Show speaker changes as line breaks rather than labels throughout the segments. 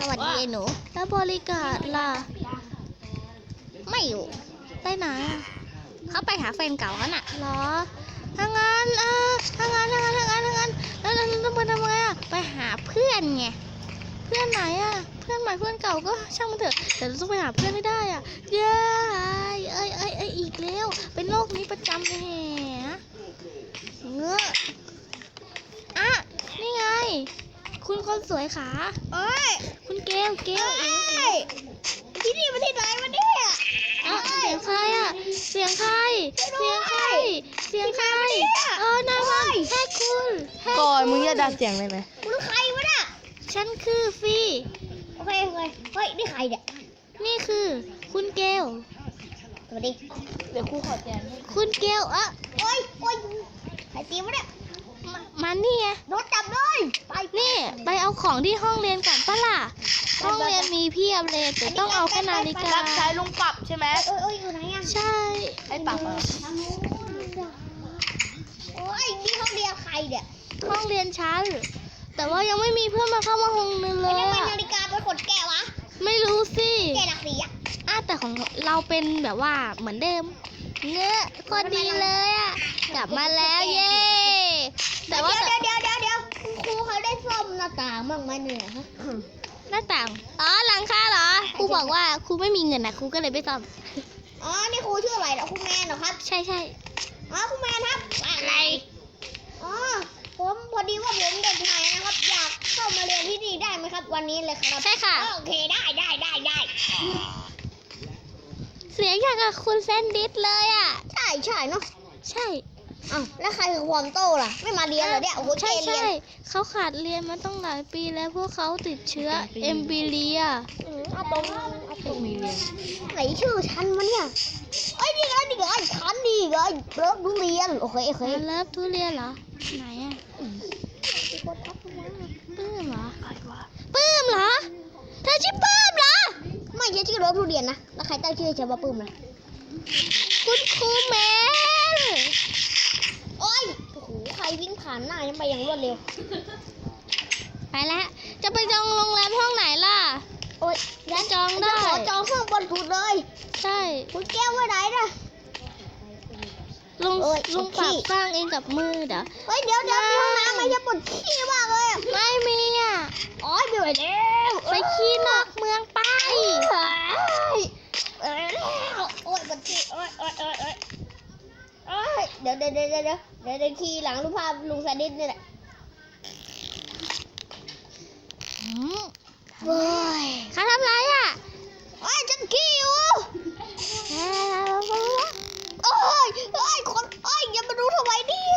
วัสดีไอ้หนูแล้วบริการล่ะไม่อยู่ไปไหนเขาไปหาแฟนเก่าเขาน่ะเหรอถ้างั้นแล้วไปทำไงอ่ะไปหาเพื่อนไงเพื่อนไหนอ่ะเพื่อนใหม่เพื่อนเก่าก็ช่างมันเถอะแต่เราต้องไปหาเพื่อนไม่ได้อ่ะเย้อีกแล้วเป็นโรคนี้ประจำเลยแฮะเงอะอ่ะนี่ไงคุณคนสวยขา
โอ้ย
คุณเกล
ที่นี่มันที่ไหนวะเนี่ย
เสียงใครอ่ะเสียงใครนายวันแค่คุณ
ก่อนมึงจะดัดเสียงเลยไหม
คุณใครวะน่ะ
ฉันคือฟี
โอเคเฮ้ยนี่ใครเนี่ย
นี่คือคุณเกล
สวัสดี
เดี๋ยวครูขอแจม
คุณเกล
โอ้ยใครตีวะเนี่ย
มันนี่ไง
โดนจับเลย
นี่ไปเอาของที่ห้องเรียนก่อนปะล่ะห้องเรียนมีเพียบเลยแต่ต้องเอาแค่นาฬิกา
รับใช้ลุงปรับใช่ไหม
อยู่ไหนอ่ะ
ใช่
ไอ้ปรับ
โอ้ยนี่ห้องเรียนใครเนี่ย
ห้องเรียนชั้นแต่ว่ายังไม่มีเพื่อนมาเข้ามาห้องนึงเลย
ทำไมนาฬิกาเป็นขนแกะวะ
ไม่รู้สิ
แกะหลักสีอ่ะ
แต่ของเราเป็นแบบว่าเหมือนเดิมเนื้อคนดีเลยอ่ะกลับมาแล้วเย้
แต่ว่าเดี๋ยวครูเขาได้ซ่อมหน้าต่างบ้างไหมเนี่ยฮะ
หน้าต่างหลังคาเหรอครูบอกว่าครูไม่มีเงินนะครูก็เลยไม่ซ่อม
นี่ครูชื่ออะไรเหรอครูแมนเหรอครับ
ใช่
ครูแมนครับอะไรผมพอดีว่าผมเด็กใหม่นะครับอยากเข้ามาเรียนที่นี่ได้ไหมครับวันนี้เลยครับ
ใช่ค่ะ
โอเคได้
เสียงอย่างกับคุณแซนดิสเลยอ่ะ
ใช่เนาะ
ใช่
แล้วใครคือความโตล่ะไม่มาเรียนเหรอเนี่ยโอ้โห
ใช่เขาขาดเรียนมาต้องหลายปีแล้วพวกเขาติดเชื้อเอมบิเลีย
เอาตรงมีเรียนไหนชื่อฉันวะเนี่ยนี่ไงฉันนี่ไงเลิฟทุเรียนโอเค
เลิฟทุเรียนเหรอไหนอ่ะปื้มเหรอเธอชื่อปื้มเหรอ
ไม่ใช่ชื่อเลิฟทุเรียนนะแล้วใครตั้งชื่อฉันว่าปื้มล่ะ
คุณครูแมน
โอ้โหใครวิ่งผ่านหน้าฉันไปอย่างรวดเร็ว
ไปแล้วจะไปจองโรงแรมห้องไหนล่ะ
ฉัน
จองได้
ขอจองห้องบนสุดเลย
ใช่
คุณแก้วไว้ไหนนะ
ลุงปรับสร้างเองกับมือเดี๋
ยวมีห้องน้ำไม่ใช่ปวดขี้มากเลย
ไม่มี
ไม่ไหวแล้ว
ไปขี้นอกเมืองไป
ปวดขี้เดี๋ยวขี้หลังรูปภาพลุงซาดิสนี่แหละ
เขาทำไรอ่ะ
ฉันขี้อยู่คนอย่ามาดูทำไมเนี่ย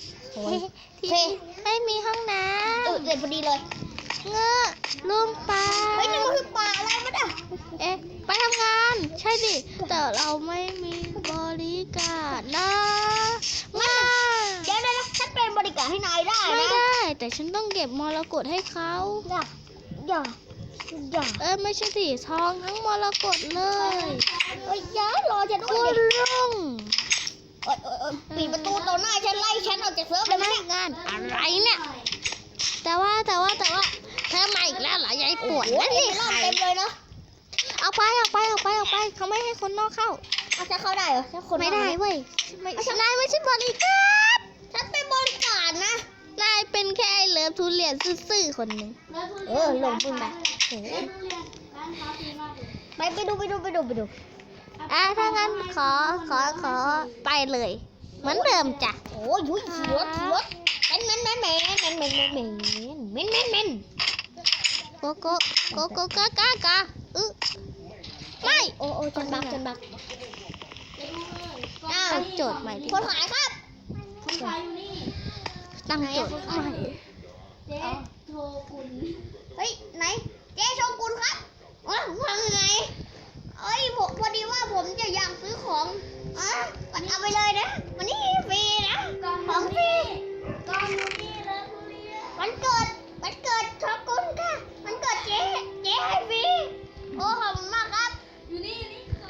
ไม่มีห้องน้ำ
เด็ดพอดีเลย
เงอะลุงปลา
นี่มันคือป่าอะไรมัน
ไปทำงานใช่ดิแต่เราไม่มีบริการนะ
เดี๋ยวฉันเป็นบริการให้นายได้นะ
ไม่ได้แต่ฉันต้องเก็บมรกตให้เขา
อย่า
ไม่ใช่สิทองทั้งมรกตเลย
อย่ารอฉันด้วย
คุณลุง
ปิดประตูต่อหน้าฉันไล่ฉันออกจากเซิร์ฟเลยไหม
งานอะไรเนี่ยแต่ว่าเธอมาอีกแล้วเหรอยายปวดนั่นนี่
ใครเต็มเลยเนาะ
เอาไปเขาไม่ให้คนนอกเข้า
จะเข้าได้เหรอ
ไม่ได้เว้ยนายไม่ใช่บริการ
ฉันเป็นบริการนะ
นายเป็นแค่เลิฟทุเรียนซื่อๆคนหนึ่ง
ลงปืนไปดู
ถ้างั้นขอไปเลยเหมือนเดิมจ้ะ
โอ้ยรถเป็นเมน
โกกาไม่
ฉันบัก
ตั้งโจทย์ใหม่ดิ
คนขายครับ
ตั้งโจทย์ใหม่
เจ๊โชกุนไหนเจ๊โชกุนครับว่าไงพอดีว่าผมจะอยากซื้อของเอาไปเลยนะวันนี้ฟรีนะของฟรีวันเกิดโชกุนค่ะวันเกิดเจ๊ให้ฟรีขอบคุณมากครับอยู่นี่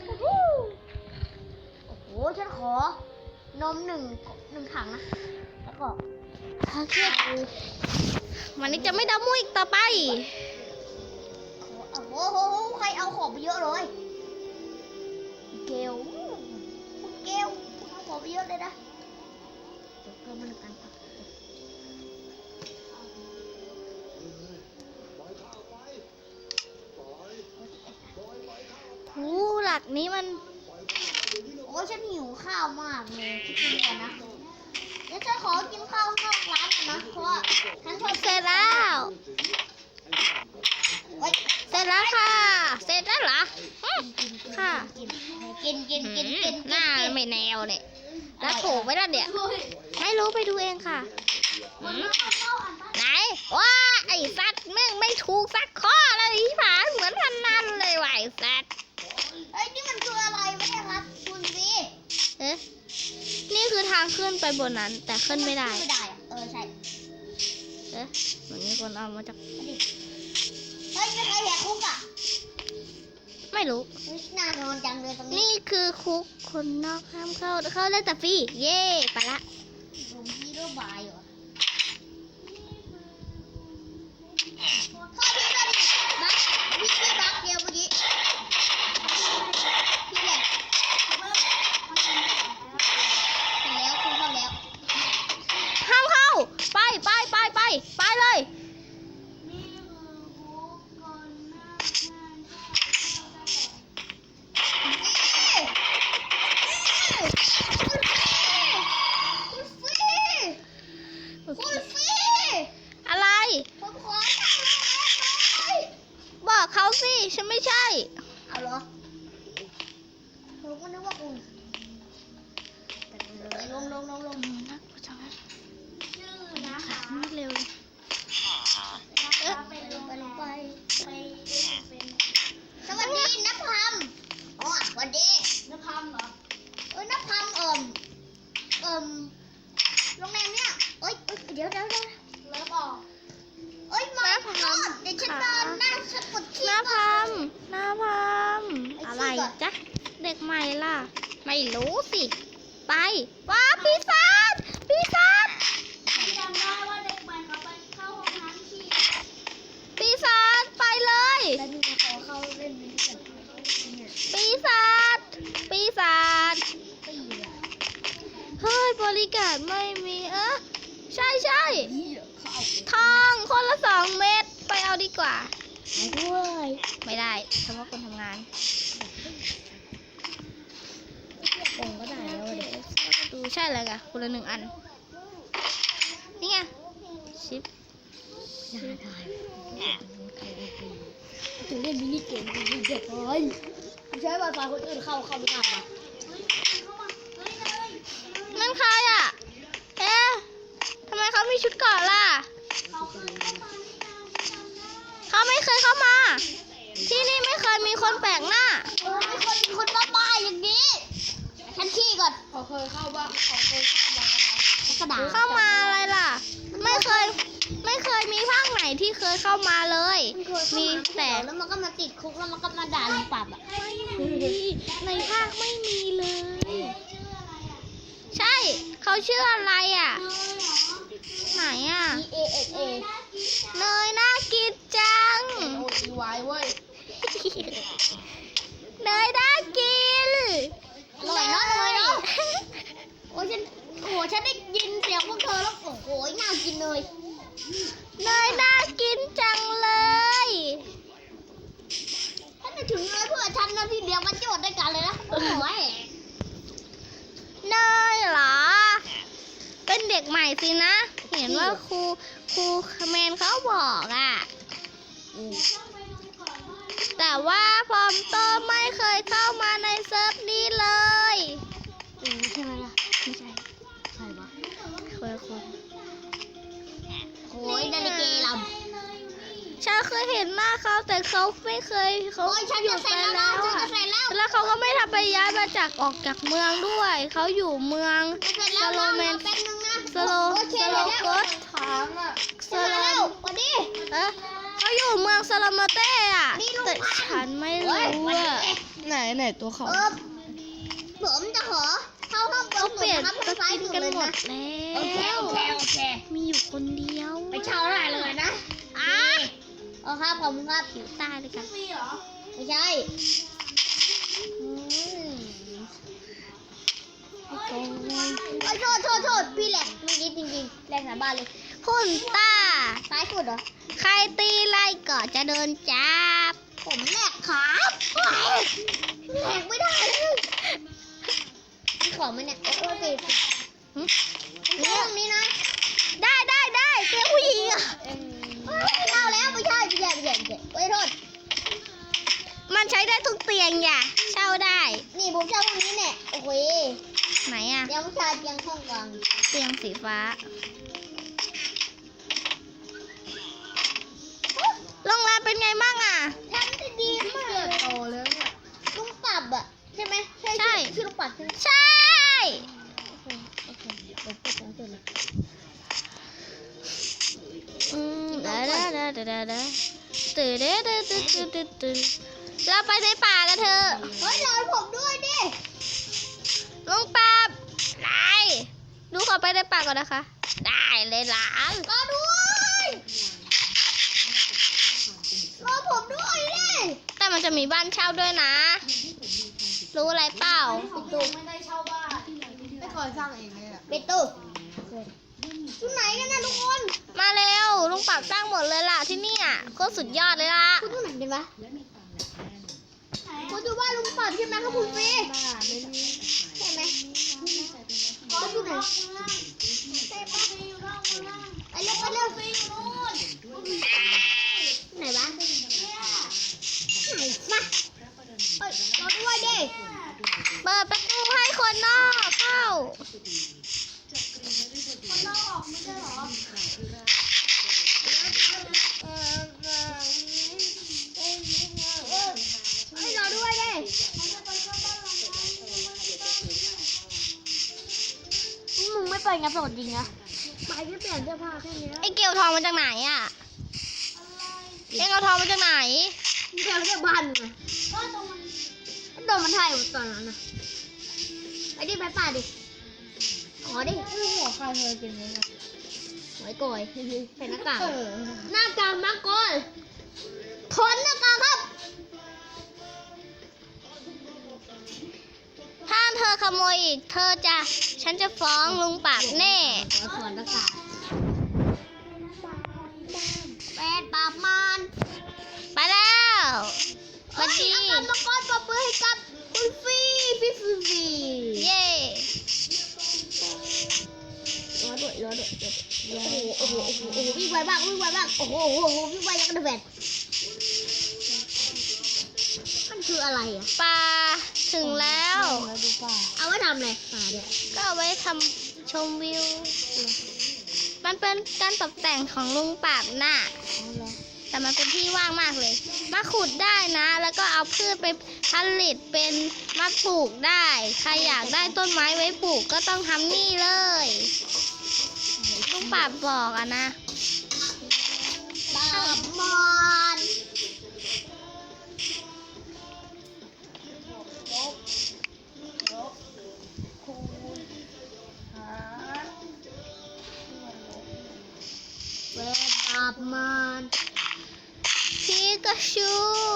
โอ้โหฉันขอนมหนึ่งถังนะแล้วก็
วันนี้จะไม่ดำมุ้ยอีกต่อไป
อ้โหใครเอาของไปเยอะเลยเกลคุณเกลคุณเอาของไปเยอะเลยนะเดี๋ยวเกินมันกันครับ
หูหลักนี้มัน
โอ้ฉันหิวข้าวมากเลยคิดดูก่อนนะเดี๋ยวฉันขอกินข้าวนอกร้านก่อนนะเพราะว่าฉันชอบ
เสร็จแล้ว
เฮ้ย
เสร็จแล้วค่ะ เสร็จแล้วเหรออืมค่ะ
กิน
หน้าไม่แนวเนี่ยแล้วถูกไหมล่ะเนี่ยไม่รู้ไปดูเองค่ะอืมไหนว้าไอ้สัตว์แม่งไม่ถูกสักข้อเลยที่ผ่านเหมือนพันนันเลยว่ะไอ้สัตว์
เฮ้ยนี่มันคืออะไรไม่ใช่ครับคุณซี
เอ๊ะนี่คือทางขึ้นไปบนนั้น แต่ขึ้นไม่ได้
ไม่ได้อะใช่
เอ๊ะเหมือนมีคนเอามาจาก
เฮ้ยไม่เคยแหกคุกอ่ะ
ไม่รู้
เฮ้ยน่านอนจังเลยตรงนี้
นี่คือคุกคนนอกห้ามเข้าได้แต่ฟรีเย่ไปละ
ผมฮีโร่บายเหรอข้อที่ก็ดิบักพี่บักเดียวเมื่อกี้พี่แหลกแล้วคุณเข้าแล้ว
ห้ามเข้าไปเลย
คุณฟี
อะไร
ผมขอทางลงหน่อย
บอกเขาสิฉันไม่ใช่
เอาเหรอผมก็นึกว่าคุณเลยลง
นักประจำชื่อนะคะไม่เร็วเลย
ไปสวัสดีนภัมอ๋อสวัสดีนภัมเหรอนภัมโรงแรมเนี่ยเดี๋ยวเลิฟออกมาขอโทษเดี๋ยวฉันเดินหน้าฉันกดขี้
หน้า
ก่อน
พัมอะไรจ๊ะเด็กใหม่ล่ะ ไม่รู้สิไปว้าปีศาจ
จำได้ว่าเด็กใหม่เขาไปเข้าห้องน้ำขี้
ปีศาจไปเลย
แล้วนี่ขอเข้าเล่นนี้ก่อนเนี่ย
ปีศาจ
ตีละ
เฮ้ยบริการไม่มีใช่
เข้า
ทองคนละ2 เม็ดไปเอาดีกว่า
ด้วย
ไม่ได้เฉพาะคนทำงาน
กงก็ได้แล้วเด็ก
ดูใช่เลยค่ะคนละ1 อัน นี่ไงชิป
ได้จะเล่นมินิเกมกันเด็กเลยใช้ไวไฟคนอื่นเข้าไม่ได้หรอ
นั่นใครอ่ะ เอ๊ะทำไมเขามีชุดเกราะล่ะ เขาไม่เคยเข้ามา ที่นี่ไม่เคยมีคนแปลกหน้า
ไม่คนบ้าๆอย่างนี้ฉันขี้ก่อน
เขาเคยเข้าบ้านเขาเคยเข้าบ้าน
กระดาษ
เข้ามาอะไรล่ะ ไม่เคยมีภาคไหนที่เคยเข้ามาเลย มีแต่
แล้วมันก็มาติดคุกแล้วมันก็มาด่าลุงปรับอ่ะ
ในภาคไม่มีเลย ใช่ เขาชื่ออะไรอ่ะ ไหนอ่ะ
EASA
เนยน่ากินจัง
โอทีไว้เว้ย
เนยน่ากิน
อร่อยเนาะเลยเนาะโอ้ฉันได้ยินเสียงพวกเธอแล้วโอ้โหน่ากินเลย
เนยน่ากินจังเลย
ฉันจะถึงเลยเพื่อฉันนะที่เดียวมันโจทย์ด้วยกันเลยนะโอ้โห
เนยเหรอ เป็นเด็กใหม่สินะ เห็นว่าครูแมนเขาบอกอ่ะ แต่ว่าพอมโตไม่เคยเข้ามาในเซิร์ฟนี้เลย
ใช่ไหมล่ะ
ไม่ใช่
ใช่ปะ
เคยคน
โอ้ยนาฬิกาล
ฉันเคยเห็นหน้าเขาแต่เขาไม่เคย
ำ
เขา
โอ้ยฉัน
อยู่
จะ
ไป
เสร็จแล้ว
แล้ว
นะฉัน
อะ
จะเสร็จแล้ว
แล้วเขาก็ไม่ทำไปย้ายมาจากออกจากเมืองด้วย เขาอยู่เมือง
จะเสร็จแล้ว
สโลแมน
แป๊บนึงนะ
สโล
โอเค
สโล
แล้ว
โกส
ค้างอ่ะ
ส
เสร็จ
โล
แล้ววันนี้
เขาอยู่เมืองสลามาเต้อะ
นี่ลูก
แต่ฉันไม่รู้อะ
ไหนตัวเขา
ผมจะขอเข้าห้อง
เขาเปลี่ยน
ครับ
ส
ทางซ้าย
กิน
สุด
กัน
เลย
หม
นะ
ดแล้
โอเคว มี
มีอยู่คนเดียว
ไปเช่าได้เลยนะโอเคครับผมครับ
ผิวใต้เลยกัน
มีเหรอ
ไม่ใช่อืมโอ้ยโทษพี่แหลกเมื่อกี้จริงๆแหลกสาบานเลย
คุณต้า
ซ้ายสุดเหรอ
ใครตีไล่ก็จะโดนจับ
ผมแหลกครับแหลกไม่ได้เลยมีของไหมเนี่ยโอ้ยปิด
หึ
เรื่องนี้นะ
ได้เจ้าผู้หญิงอะ
เฮ้ยเอาแล้วไม่ใช่เฮ้ยโทษ
มันใช้ได้ทุกเตียงอย่าเช่าได้
นี่ผมชอบพวกนี้เนี่ยโอ้โห
ไหนอะ
เดี๋ยวผู้ชายเตียงห้องกลาง
เตียงสีฟ้าโรงแรมเป็นไงบ้างอะ
ทำได้ดีมาก
เลือดโตแล้วเนี่ย
ลุงปรับอ่ะใช่ไหมชื่อลุงปรับใช่ไหม
ใช่
โอเคเดี๋ยวเปิดของเสร็จเลย
ตื่นเราไปในป่ากันเถอะ
เฮ้ยรอผมด้วยดิ
ลุงปราบไหนดูขอไปในป่าก่อนนะคะ ได้เลยหลาน
รอด้วยรอผมด้วยดิ
แต่มันจะมีบ้านเช่าด้วยนะ รู้อะไรเปล่า
ของตูไม่ได้เช่าบ้านไม่เคยสร้างเองเลยแหละ
ปิดตู้ที่ไหนกันนะทุกคน
มาเร็วลุงปราบสร้างหมดเลยล่ะที่เนี่ยโคตรสุดยอดเลยล่ะ
คุณที่ไหนดีวะคุณดูว่าลุงปรับใช่ไหมครับคุณฟรีใช่ไหมก็อยู่ไหนใช่ปะไปเร็วไหนวะไหนมาเฮ้ยรอด้วยดิ
เปิดประตูให้คนนอกเข้า
ให้รอด้วยดิมึงไม่ไปงับสดจริงนะไปแค่เปลี่ยนเสื้อผ้าแค่นี้
ไอ้เกลียวทองมาจากไหนอ่ะเอ็งเอาทองมาจากไหน
เดี๋ยวจะบันไงโดนมันถ่ายตอนนั้นนะไปดิไปป่าดิขอดิ
หัวใครเคยเป็นเลยนะ
หอยก่อยใส่หน้ากาก
เออ
หน้ากากมาก่อนถอนหน้ากากครับ
ถ้าเธอขโมยอีกฉันจะฟ้องลุงปราบแน่
ขอถอนหน้ากากแปดปราบมาร
ไปแล้วสวัสดี
เอากรรมกรปรบมือให้กับคุณฟรีฟรี
เย่
รอด้วยโอ้โหวิ่งไวมากโอ้โหวิ่งไวยังกระเด็นมันคืออะไรอ่ะ
ป่าถึงแล้ว
แล้วดูป่า
เอาไว้ทำอะไรป่าเนี่ย
ก็เอาไว้ทำชมวิว มันเป็นการตกแต่งของลุงปราบน่ะ
เอาเหรอ
แต่มันเป็นที่ว่างมากเลย มาขุดได้นะ แล้วก็เอาพืชไปผลิตเป็นมาปลูกได้ ใครอยากได้ต้นไม้ไว้ปลูกก็ต้องทำนี่เลยลุงปราบบอกอะนะ
ปราบมารเวรปราบมาร
พีกาชู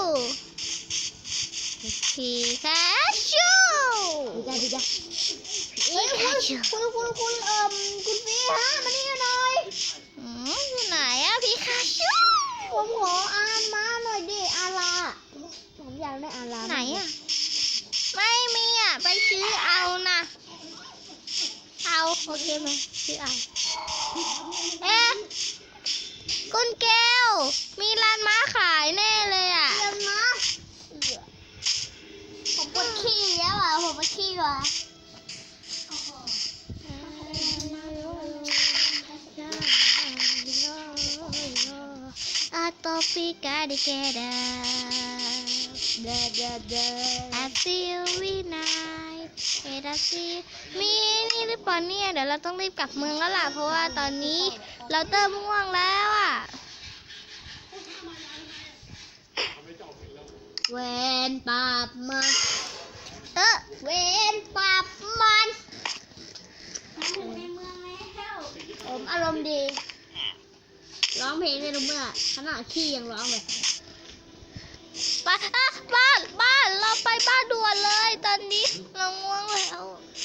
พีกาชู
ดีจ้ะเฮ้ยคุณฟีฮะมานี่หน่อย
อยู่ไหนอะพีกาชู
ผมขออ่านมาหน่อยดิอาลาผมอยากได้อาลา
ไหนอะไม่มีอะไปซื้อเอานะเอาโอเคไหมซื้อเอาเอ๊ะคุณเกลมีร้านม้าขายแน่เลยอะ
เรียนนะผมปวดขี้แล้วอ่ะผมปวดขี้ว่ะ
A topica de queda I feel we night it I see มีนี่หรือเปล่าเนี่ยเดี๋ยวเราต้องรีบกลับเมืองแล้วล่ะเพราะว่าตอนนี้เราเริ่มง่วงแล้วอ่ะ
เวนปราบมาร
เออ
เวนปราบมารผมอารมณ์ดีร้องเพลงเพลงเลยรู้เมื่อขนาดขี้ยังร้องเลย
ไปอ่ะบ้านเราไปบ้านด่วนเลยตอนนี้เราง่วงแล้ว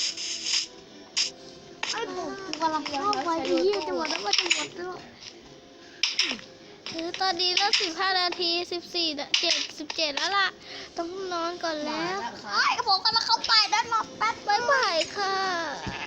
ไอ้ผมกำลังเข้าไปที่ยี่จะหมดแล้วมันจะหมดแล้ว
คือตอนนี้แล้ว15 นาที17แล้วล่ะ ต้องนอนก่อนแล้ว
ไอ้ผมกำลังเข้าไปด้านนอกแป๊บ
บ๊ายบายค่ะ